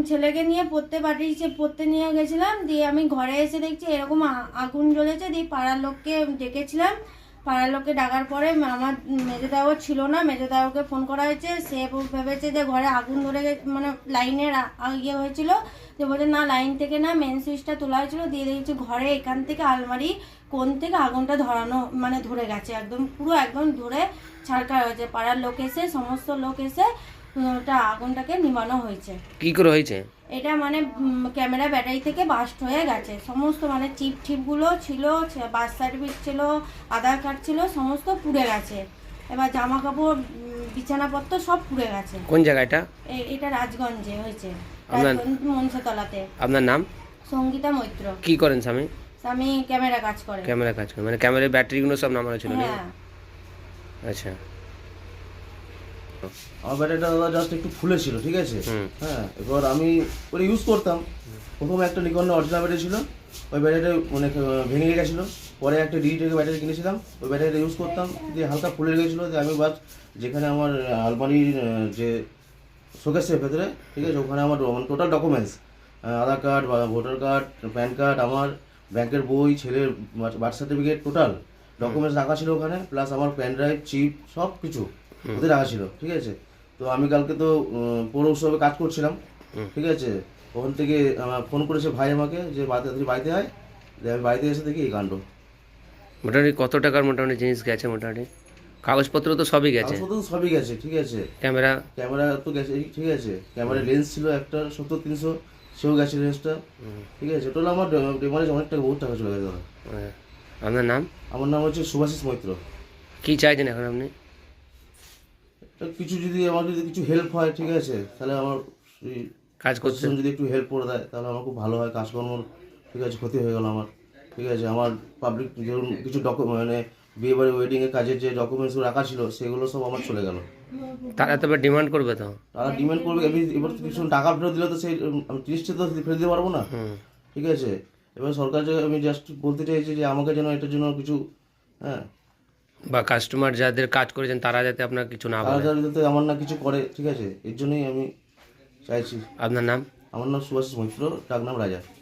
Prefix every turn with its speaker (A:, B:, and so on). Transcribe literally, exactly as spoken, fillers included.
A: ছেলেকে নিয়ে পড়তে পাঠিয়েছে, পড়তে নিয়ে গেছিলাম। দিয়ে আমি ঘরে এসে দেখছি এরকম আগুন জ্বলেছে। দিয়ে পাড়ার লোককে ডেকেছিলাম, পাড়ার লোককে ডাকার পরে আমার মেজোদাও ছিল না, মেজোদাওকে ফোন করা হয়েছে। সে ভেবেছে যে ঘরে আগুন ধরে মানে লাইনের ইয়ে হয়েছিল, যে বলছে না লাইন থেকে না মেন সুইচটা তোলা হয়েছিল। দিয়ে দেখছি ঘরে এখান থেকে আলমারি কোণ থেকে আগুনটা ধরানো মানে ধরে গেছে, একদম পুরো একদম ধরে ছাড়কার হয়েছে। পাড়ার লোক এসে সমস্ত লোক এসে ওটা আগুনটাকে নিভানো হয়েছে।
B: কি করে হয়েছে
A: এটা? মানে ক্যামেরা ব্যাটারি থেকে বাস্ট হয়ে গেছে সমস্ত, মানে চিপ টিপগুলো ছিল, বার্থ সার্টিফিকেট ছিল, আধার কার্ড ছিল, সমস্ত পুড়ে গেছে। এবার জামা কাপড় বিছানাপত্র সব পুড়ে গেছে।
B: কোন জায়গাটা?
A: এটা রাজগঞ্জে হয়েছে,
B: আপনার
A: মনসাতলাতে।
B: আপনার নাম?
A: সঙ্গীতা মৈত্র।
B: কি করেন স্বামী?
A: স্বামী ক্যামেরা কাজ করে।
B: ক্যামেরা কাজ করে, মানে ক্যামেরার ব্যাটারিগুলো সব নামানো ছিল না?
A: হ্যাঁ।
B: আচ্ছা,
C: আমার ব্যাটারিটা দাদা জাস্ট একটু ফুলে ছিল, ঠিক আছে। হ্যাঁ, এবার আমি ওটা ইউজ করতাম। প্রথমে একটা নিকনের অরিজিনাল ব্যাটারি ছিল, ওই ব্যাটারিটা মানে ভেঙে গেছিলো। পরে একটা ডিজিটাল ব্যাটারি কিনেছিলাম, ওই ব্যাটারিটা ইউজ করতাম, দিয়ে হালকা ফুলে গেছিলো। দিয়ে আমি বাস যেখানে আমার আলমারির যে শোকেসের ভেতরে, ঠিক আছে, ওখানে আমার total documents, Aadhaar card, voter card, PAN card, আমার ব্যাংকের বই, ছেলের বার্থ সার্টিফিকেট, টোটাল ডকুমেন্টস রাখা ছিল ওখানে, প্লাস আমার প্যান ড্রাইভ, চিপ, সব কিছু ওদের রাখা ছিল, ঠিক আছে। তো আমি কালকে তো পৌর উৎসবে কাজ করছিলাম, ঠিক আছে। ওখান থেকে ফোন করেছে ভাই আমাকে যে বাড়িতে বাড়িতে হয়। আমি বাড়িতে এসে দেখি এই কাণ্ড।
B: মোটামুটি কত টাকার মোটামুটি জিনিস গেছে? মোটামুটি কাগজপত্র তো সবই গেছে?
C: কাগজপত্র তো সবই গেছে, ঠিক আছে।
B: ক্যামেরা
C: ক্যামেরা তো গেছে, ঠিক আছে। ক্যামেরার লেন্স ছিল একটা সত্তর তিনশো, সেও গেছে লেন্সটা, ঠিক আছে। টোটাল আমার ডেমারেজ অনেক টাকা, বহুত টাকা চলে গেছে দাদা।
B: আপনার নাম?
C: আমার নাম হচ্ছে সুভাষিস মৈত্র।
B: কি চাইছেন এখন আপনি?
C: কিছু যদি আমার যদি কিছু হেল্প হয়, ঠিক আছে, তাহলে আমার
B: কাজ করতে
C: যদি একটু হেল্প করে দেয় তাহলে আমার খুব ভালো হয়। কাজকর্ম, ঠিক আছে, ক্ষতি হয়ে গেল আমার, ঠিক আছে। আমার পাবলিক ধরুন কিছু ডকুমেন্ট মানে বিয়ে বাড়ি ওয়েডিংয়ের কাজের যে ডকুমেন্টসগুলো রাখা ছিল সেগুলো সব আমার চলে গেল।
B: তারা তবে ডিমান্ড করবে তো?
C: তারা ডিমান্ড করবে। আমি এবার কিছু টাকা ফেরত দিলে তো সেই আমি জিনিসটা তো ফেরত দিতে পারবো না, ঠিক আছে। এবার সরকার যে আমি জাস্ট বলতে চাইছি যে আমাকে যেন এটার জন্য কিছু, হ্যাঁ,
B: বা কাস্টমার যাদের কাজ করেছেন তারা যাতে আপনার কিছু না বলে,
C: তারা যাতে আমার না কিছু করে, ঠিক আছে, এর জন্যই আমি চাইছি।
B: আপনার নাম?
C: আমার নাম সুভাষিস মৈত্র, ডাক নাম রাজা।